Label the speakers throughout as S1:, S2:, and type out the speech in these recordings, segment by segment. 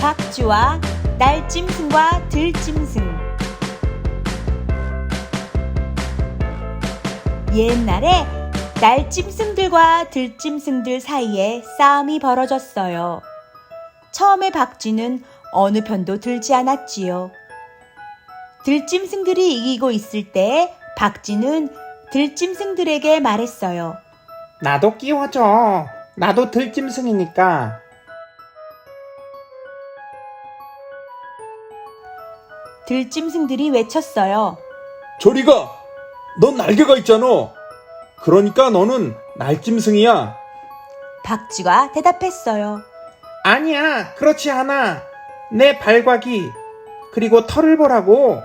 S1: 박쥐와 날짐승과 들짐승. 옛날에 날짐승들과 들짐승들 사이에 싸움이 벌어졌어요. 처음에 박쥐는 어느 편도 들지 않았지요. 들짐승들이 이기고 있을 때 박쥐는 들짐승들에게 말했어요.
S2: 나도 끼워줘. 나도 들짐승이니까.
S1: 들짐승들이 외쳤어요.
S3: 저리 가! 넌 날개가 있잖아. 그러니까 너는 날짐승이야.
S1: 박쥐가 대답했어요.
S2: 아니야, 그렇지 않아. 내 발과기, 그리고 털을 보라고.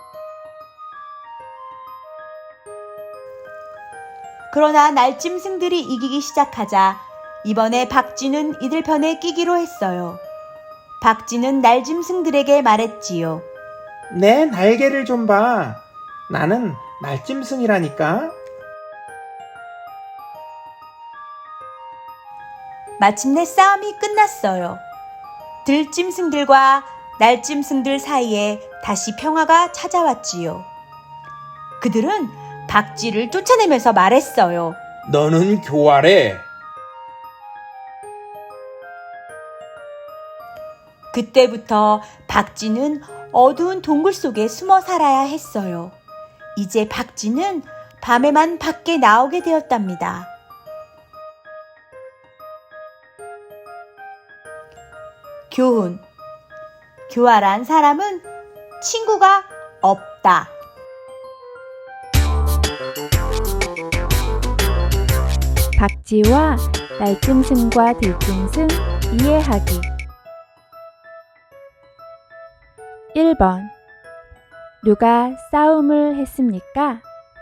S1: 그러나 날짐승들이 이기기 시작하자 이번에 박쥐는 이들 편에 끼기로 했어요. 박쥐는 날짐승들에게 말했지요.
S2: 내 날개를 좀 봐. 나는 날짐승이라니까.
S1: 마침내 싸움이 끝났어요. 들짐승들과 날짐승들 사이에 다시 평화가 찾아왔지요. 그들은 박쥐를 쫓아내면서 말했어요.
S3: 너는 교활해.
S1: 그때부터 박쥐는 어두운 동굴 속에 숨어 살아야 했어요. 이제 박쥐는 밤에만 밖에 나오게 되었답니다. 교훈. 교활한 사람은 친구가 없다.
S4: 박쥐와 날짐승과 들짐승 이해하기. 1번. 누가 싸움을 했습니까?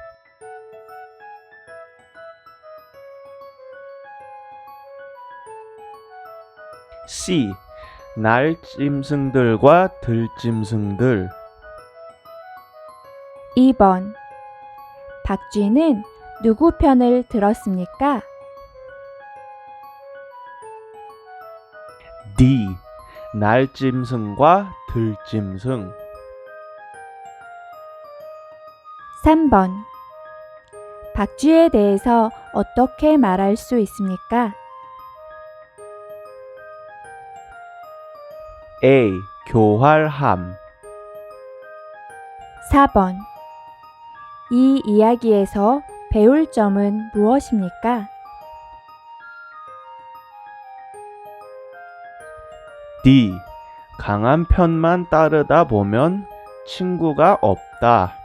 S5: C. 날짐승들과 들짐승들.
S4: 2번. 박쥐는 누구 편을 들었습니까?
S5: D. 날짐승과 들짐승.
S4: 3번. 박쥐에 대해서 어떻게 말할 수 있습니까?
S5: A. 교활함.
S4: 4번. 이 이야기에서 배울 점은 무엇입니까?
S5: D. 강한 편만 따르다 보면 친구가 없다.